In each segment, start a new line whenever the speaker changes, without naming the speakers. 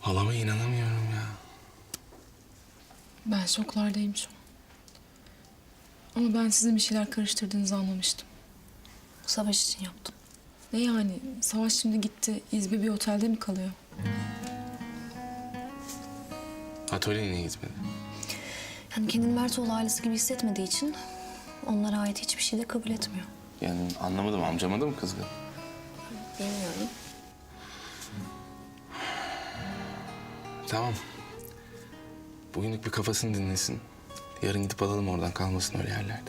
Halama inanamıyorum ya.
Ben şoklardayım şu an. Ama ben sizin bir şeyler karıştırdığınızı anlamıştım. Savaş için yaptım. Ne yani? Savaş şimdi gitti. İzbi bir otelde mi kalıyor?
Atölyeye niye gitmedi?
Yani kendini Mertoğlu ailesi gibi hissetmediği için onlara ait hiçbir şey de kabul etmiyor.
Yani anlamadım, amcama da mı kızgın?
Bilmiyorum.
Tamam. Bugünlük bir kafasını dinlesin. Yarın gidip alalım oradan, kalmasın öyle yerlerde.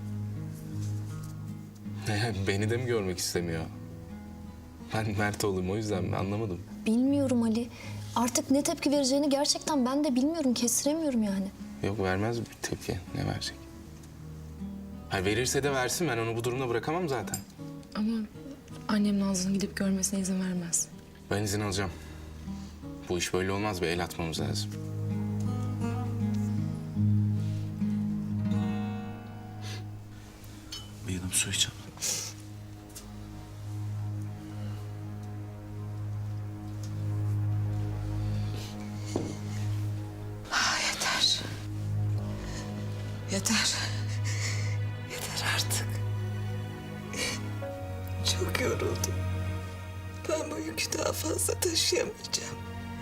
Beni de mi görmek istemiyor? Ben Mert oğlum, o yüzden mi? Anlamadım.
Bilmiyorum Ali. Artık ne tepki vereceğini gerçekten ben de bilmiyorum. Kestiremiyorum yani.
Yok, vermez bir tepki. Ne verecek? Ha, verirse de versin. Ben onu bu durumda bırakamam zaten.
Ama annem Nazlı'nın gidip görmesine izin vermez.
Ben izin alacağım. Bu iş böyle olmaz. Bir el atmamız lazım.
Bir yudum su içelim.
Yeter. Yeter. Yeter artık. Çok yoruldum. Ben bu yükü daha fazla taşıyamayacağım.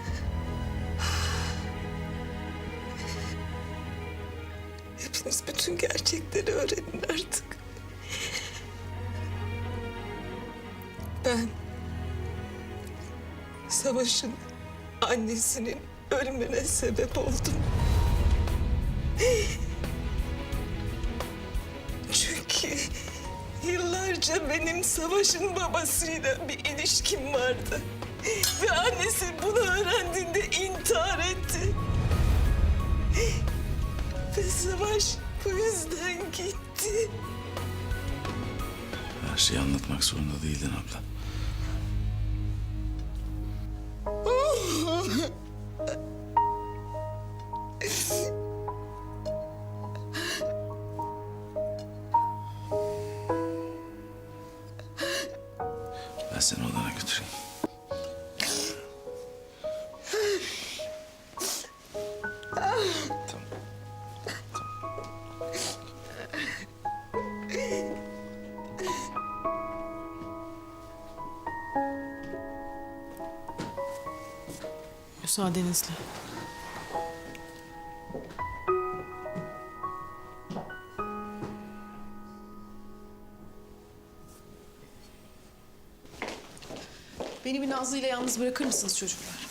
Hepiniz bütün gerçekleri öğrenin artık. Ben Savaş'ın annesinin ölümüne sebep oldum. Çünkü yıllarca benim Savaş'ın babasıyla bir ilişkim vardı. Ve annesi bunu öğrendiğinde intihar etti. Ve Savaş bu yüzden gitti.
Her şeyi anlatmak zorunda değildin abla. Ben seni odana götüreyim. Tamam.
Müsaadenizle. Beni bir Nazlı ile yalnız bırakır mısınız çocuklar?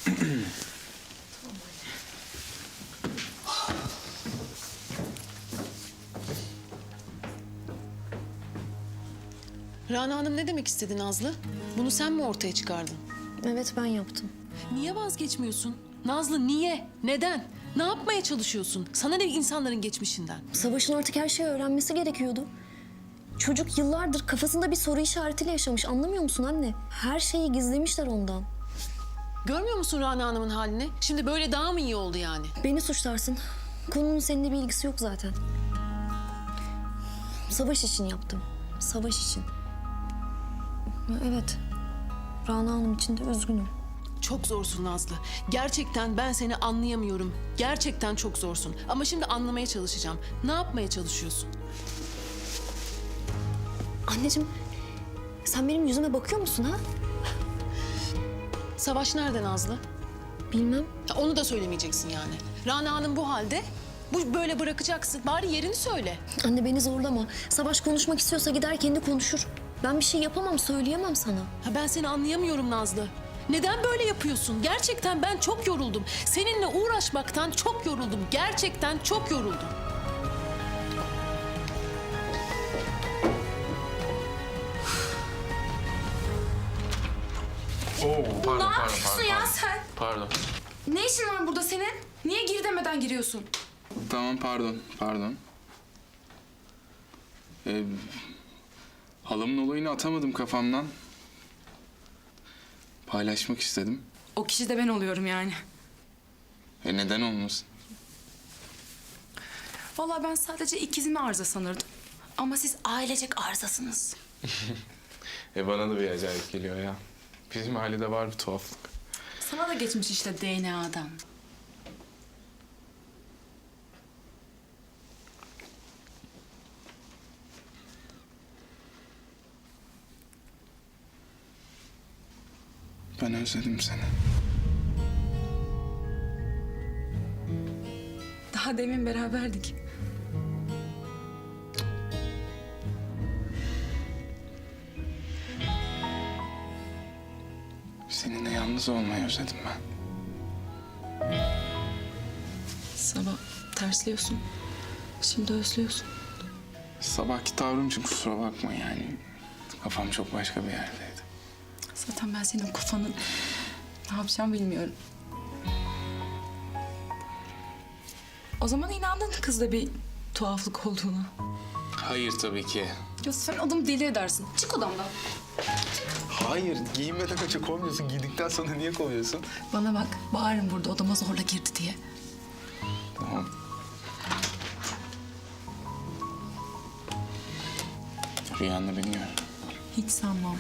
Rana Hanım ne demek istedi Nazlı? Bunu sen mi ortaya çıkardın?
Evet ben yaptım.
Niye vazgeçmiyorsun? Nazlı niye? Neden? Ne yapmaya çalışıyorsun? Sana ne insanların geçmişinden?
Savaş'ın artık her şeyi öğrenmesi gerekiyordu. Çocuk yıllardır kafasında bir soru işaretiyle yaşamış. Anlamıyor musun anne? Her şeyi gizlemişler ondan.
Görmüyor musun Rana Hanım'ın halini? Şimdi böyle daha mı iyi oldu yani?
Beni suçlarsın. Konunun seninle bir ilgisi yok zaten. Savaş için yaptım. Savaş için. Evet. Rana Hanım için de üzgünüm.
Çok zorsun Nazlı. Gerçekten ben seni anlayamıyorum. Gerçekten çok zorsun. Ama şimdi anlamaya çalışacağım. Ne yapmaya çalışıyorsun?
Anneciğim, sen benim yüzüme bakıyor musun ha?
Savaş nerede Nazlı?
Bilmem.
Ya onu da söylemeyeceksin yani. Rana Hanım bu halde. Bu böyle bırakacaksın. Bari yerini söyle.
Anne beni zorlama. Savaş konuşmak istiyorsa gider kendi konuşur. Ben bir şey yapamam, söyleyemem sana.
Ha ben seni anlayamıyorum Nazlı. Neden böyle yapıyorsun? Gerçekten ben çok yoruldum. Seninle uğraşmaktan çok yoruldum. Gerçekten çok yoruldum.
Ne yapıyorsun ya sen?
Pardon.
Ne işin var burada senin? Niye gir demeden giriyorsun?
Tamam, pardon. Halamın olayını atamadım kafamdan. Paylaşmak istedim.
O kişi de ben oluyorum yani.
Neden olmasın?
Vallahi ben sadece ikizimi arıza sanırdım. Ama siz ailecek arızasınız.
Bana da bir acayip geliyor ya. Bizim ailede var bir tuhaflık.
Sana da geçmiş işte DNA'dan.
Ben özledim seni.
Daha demin beraberdik.
Seninle yalnız olmayı özledim ben.
Sabah tersliyorsun. Şimdi özlüyorsun.
Sabahki tavrım için kusura bakma yani. Kafam çok başka bir yerdeydi.
Zaten ben senin kafanın ne yapacağım bilmiyorum. O zaman inandın kızda bir tuhaflık olduğuna.
Hayır tabii ki.
Ya sen adamı deli edersin. Çık odamdan.
Hayır, giyinmeden önce kovmuyorsun. Giydikten sonra niye kovuyorsun?
Bana bak, bağırın burada odama zorla girdi diye.
Tamam. Rüyanda beni gör.
Hiç sanmam.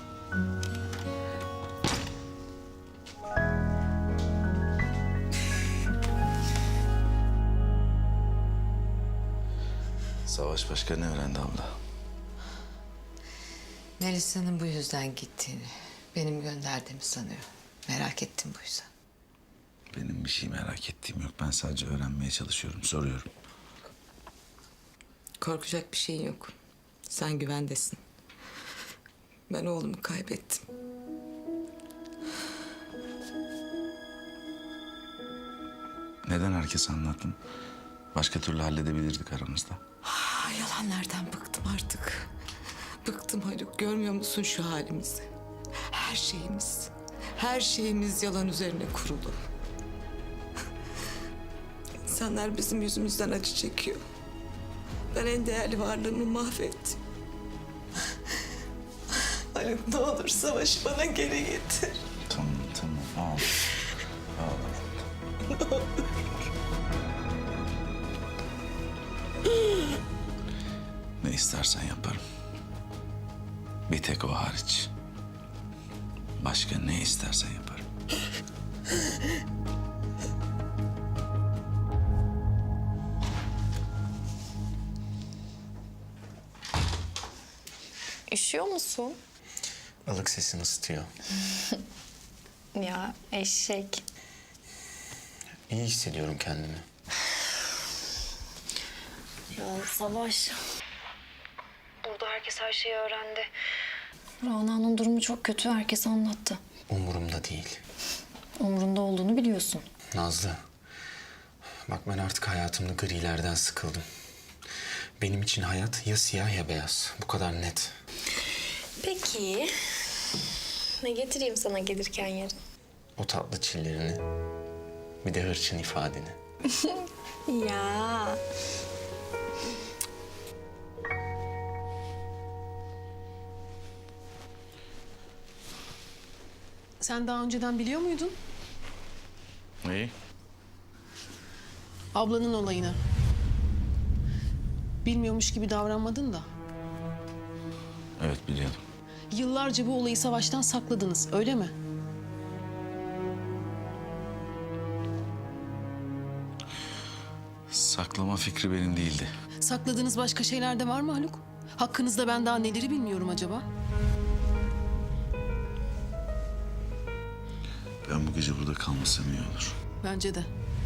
Savaş başka ne öğrendi abla?
Melisa'nın bu yüzden gittiğini, benim gönderdiğimi sanıyor. Merak ettim bu yüzden.
Benim bir şey merak ettiğim yok. Ben sadece öğrenmeye çalışıyorum, soruyorum.
Korkacak bir şeyin yok. Sen güvendesin. Ben oğlumu kaybettim.
Neden herkese anlattın? Başka türlü halledebilirdik aramızda.
Yalanlardan bıktım artık. Bıktım Haluk. Görmüyor musun şu halimizi? Her şeyimiz yalan üzerine kurulu. İnsanlar bizim yüzümüzden acı çekiyor. Ben en değerli varlığımı mahvettim. Haluk ne olur Savaş'ı bana geri getir.
Tamam, ağla. Ne istersen yaparım. Bir tek o hariç. Başka ne istersen yaparım.
Üşüyor musun?
Ilık sesini ısıtıyor.
Ya eşek.
İyi hissediyorum kendimi.
Ya Savaş. Burada herkes her şeyi öğrendi. Rana'nın durumu çok kötü. Herkes anlattı.
Umurumda değil.
Umurunda olduğunu biliyorsun.
Nazlı. Bak ben artık hayatımda grilerden sıkıldım. Benim için hayat ya siyah ya beyaz. Bu kadar net.
Peki. Ne getireyim sana gelirken yarın?
O tatlı çillerini. Bir de hırçın ifadeni.
Ya.
Sen daha önceden biliyor muydun
Neyi?
ablanın olayını? Bilmiyormuş gibi davranmadın da.
Evet, biliyordum.
Yıllarca bu olayı Savaş'tan sakladınız, öyle mi?
Saklama fikri benim değildi.
Sakladığınız başka şeyler de var mı Haluk? Hakkınızda ben daha neleri bilmiyorum acaba?
Ben bu gece burada kalmasam iyi olur.
Bence de.